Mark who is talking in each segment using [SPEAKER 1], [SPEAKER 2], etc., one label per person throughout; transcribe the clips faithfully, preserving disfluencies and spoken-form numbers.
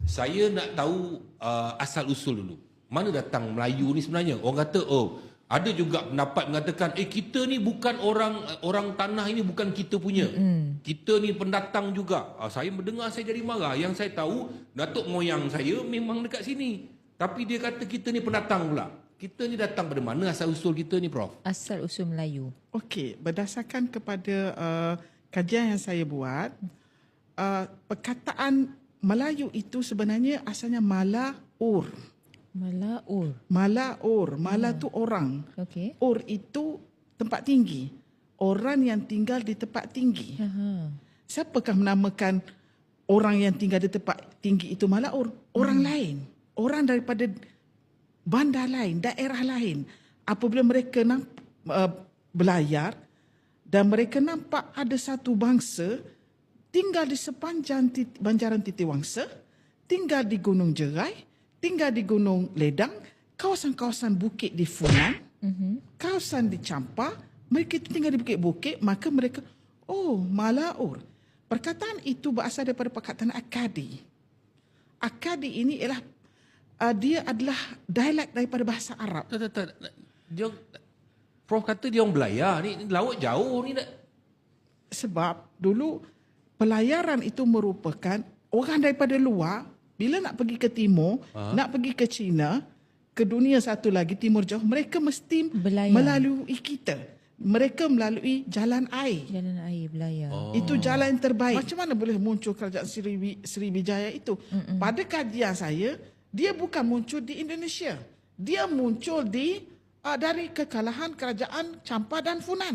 [SPEAKER 1] Saya nak tahu uh, asal usul dulu. Mana datang Melayu ni sebenarnya? Orang kata, oh, ada juga pendapat mengatakan, eh kita ni bukan orang orang tanah ini bukan kita punya. Mm. Kita ni pendatang juga. Uh, saya mendengar saya jadi marah. Yang saya tahu, datuk moyang saya memang dekat sini. Tapi dia kata kita ni pendatang pula. Kita ni datang pada mana asal usul kita ni, Prof?
[SPEAKER 2] Asal usul Melayu.
[SPEAKER 3] Okey, berdasarkan kepada uh, kajian yang saya buat, uh, perkataan Melayu itu sebenarnya asalnya Mala-ur.
[SPEAKER 2] Mala-ur.
[SPEAKER 3] Mala-ur. Mala tu orang.
[SPEAKER 2] Okey.
[SPEAKER 3] Ur itu tempat tinggi. Orang yang tinggal di tempat tinggi.
[SPEAKER 2] Aha.
[SPEAKER 3] Siapakah menamakan orang yang tinggal di tempat tinggi itu Mala-ur? Orang hmm. lain. Orang daripada bandar lain, daerah lain. Apabila mereka namp, uh, belayar dan mereka nampak ada satu bangsa tinggal di sepanjang tit, banjaran Titiwangsa, tinggal di Gunung Jerai, tinggal di Gunung Ledang, kawasan-kawasan bukit di Funan, mm-hmm. kawasan di Champa, mereka itu tinggal di bukit-bukit, maka mereka, oh, Mala-ur. Perkataan itu berasal daripada perkataan Akadi. Akadi ini ialah uh, dia adalah dialek daripada bahasa Arab.
[SPEAKER 1] Tak, tak, tak. Dia, Prof kata dia orang belayar. Ni laut jauh ni tak?
[SPEAKER 3] Sebab dulu pelayaran itu merupakan orang daripada luar, bila nak pergi ke timur, ha? nak pergi ke China, ke dunia satu lagi, timur jauh, mereka mesti belayar. Melalui kita. Mereka melalui jalan air.
[SPEAKER 2] Jalan air belayar.
[SPEAKER 3] Oh. Itu jalan yang terbaik. Macam mana boleh muncul kerajaan Sriwijaya, Sriwijaya itu? Mm-mm. Pada kajian saya, dia bukan muncul di Indonesia. Dia muncul di uh, dari kekalahan kerajaan Champa dan Funan.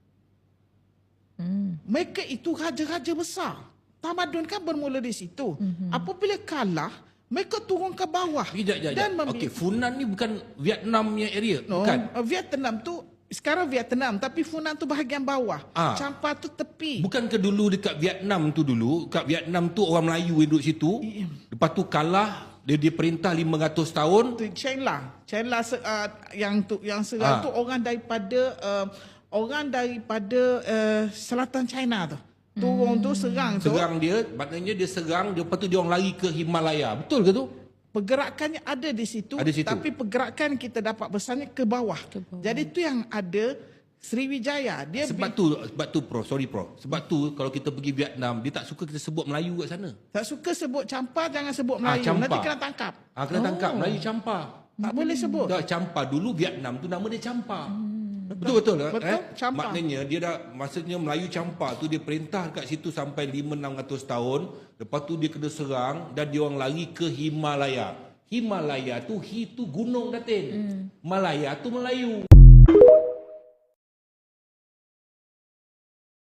[SPEAKER 3] Mm. Mereka itu raja-raja besar. Tamadun kan bermula di situ. Mm-hmm. Apabila kalah, mereka turun ke bawah.
[SPEAKER 1] Sekejap, sekejap. Okey, Funan ni bukan Vietnam punya area?
[SPEAKER 3] No,
[SPEAKER 1] bukan?
[SPEAKER 3] Uh, Vietnam tu, sekarang Vietnam, tapi Funan tu bahagian bawah. Ah. Champa tu tepi.
[SPEAKER 1] Bukan ke dulu dekat Vietnam tu dulu, kat Vietnam tu orang Melayu yang duduk situ, I, lepas tu kalah, dia diperintah lima ratus tahun.
[SPEAKER 3] Tu Chen Lang. Chen Lang uh, yang tu yang serang ah. tu orang daripada uh, orang daripada uh, selatan China tu. Turun hmm. tu serang tu.
[SPEAKER 1] Serang dia, maknanya dia serang, dia, lepas tu dia orang lari ke Himalaya. Betul ke tu?
[SPEAKER 3] Pergerakannya ada di situ,
[SPEAKER 1] ada situ,
[SPEAKER 3] tapi pergerakan kita dapat besarnya ke bawah. Ke bawah. Jadi itu yang ada Sriwijaya. Dia
[SPEAKER 1] sebab tu, sebab tu Prof, sorry Prof. Sebab tu kalau kita pergi Vietnam, dia tak suka kita sebut Melayu kat sana.
[SPEAKER 3] Tak suka sebut Champa, jangan sebut Melayu. Ah, nanti kena tangkap.
[SPEAKER 1] Ah, kena oh. tangkap, Melayu Champa.
[SPEAKER 3] Tak hmm. boleh sebut.
[SPEAKER 1] Tak, Champa. Dulu Vietnam tu nama dia Champa. Hmm. Betul betul lah.
[SPEAKER 3] Betul,
[SPEAKER 1] eh?
[SPEAKER 3] Champa.
[SPEAKER 1] Maknanya dia dah, maksudnya Melayu Champa tu dia perintah kat situ sampai lima enam ratus tahun. Lepas tu dia kena serang dan dia orang lari ke Himalaya. Himalaya tu, hi tu gunung Datin. Hmm. Malaya tu Melayu.